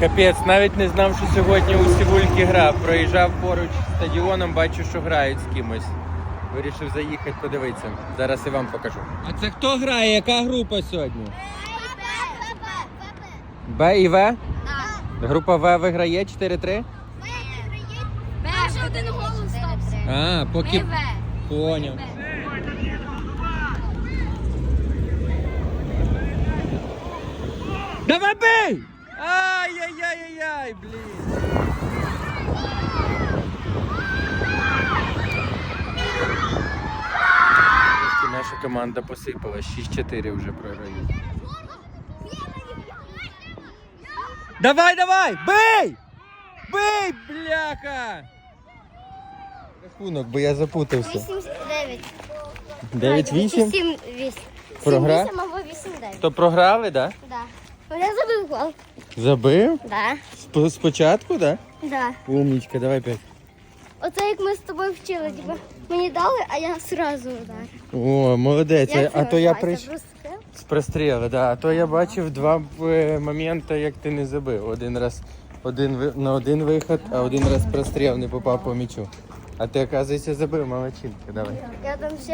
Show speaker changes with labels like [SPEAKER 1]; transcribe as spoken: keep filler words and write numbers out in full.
[SPEAKER 1] Капець, навіть не знав, що сьогодні у Сівульки гра. Проїжджав поруч з стадіоном, бачу, що грають з кимось. Вирішив заїхати, подивитися. Зараз і вам покажу. А це хто грає? Яка група сьогодні? Б і В?
[SPEAKER 2] Так.
[SPEAKER 1] Група В виграє чотири три?
[SPEAKER 2] Б вже один гол стався.
[SPEAKER 1] А, поки...
[SPEAKER 2] Ми В.
[SPEAKER 1] Поняв. Давай бей! Ай-яй-яй-яй-яй, блін. Трошки наша команда посипала. шість чотири вже програють. Давай, давай! Бей! Бей, бляха! Рахунок, бо я запутався.
[SPEAKER 2] вісім дев'ять.
[SPEAKER 1] дев'ять вісім?
[SPEAKER 2] сім вісім.
[SPEAKER 1] Програв?
[SPEAKER 2] сім вісім або вісім дев'ять.
[SPEAKER 1] То програли, так?
[SPEAKER 2] Да. Я забив гол.
[SPEAKER 1] Да? Забив?
[SPEAKER 2] Да.
[SPEAKER 1] Сп- Спочатку, так?
[SPEAKER 2] Да.
[SPEAKER 1] Да? Умнічка, давай п'ять.
[SPEAKER 2] Оце як ми з тобою вчили, типу, мені дали, а я сразу ударив.
[SPEAKER 1] О, молодець.
[SPEAKER 2] Як
[SPEAKER 1] А
[SPEAKER 2] це
[SPEAKER 1] то я
[SPEAKER 2] називається?
[SPEAKER 1] прийшов
[SPEAKER 2] Простріл?
[SPEAKER 1] з простріли, да. А то я бачив два е, моменти, як ти не забив. Один раз один ви- на один виход, а один раз простріл не попав по м'ячу. А ти, оказується, забив, молодчинка, давай.
[SPEAKER 2] Я там ще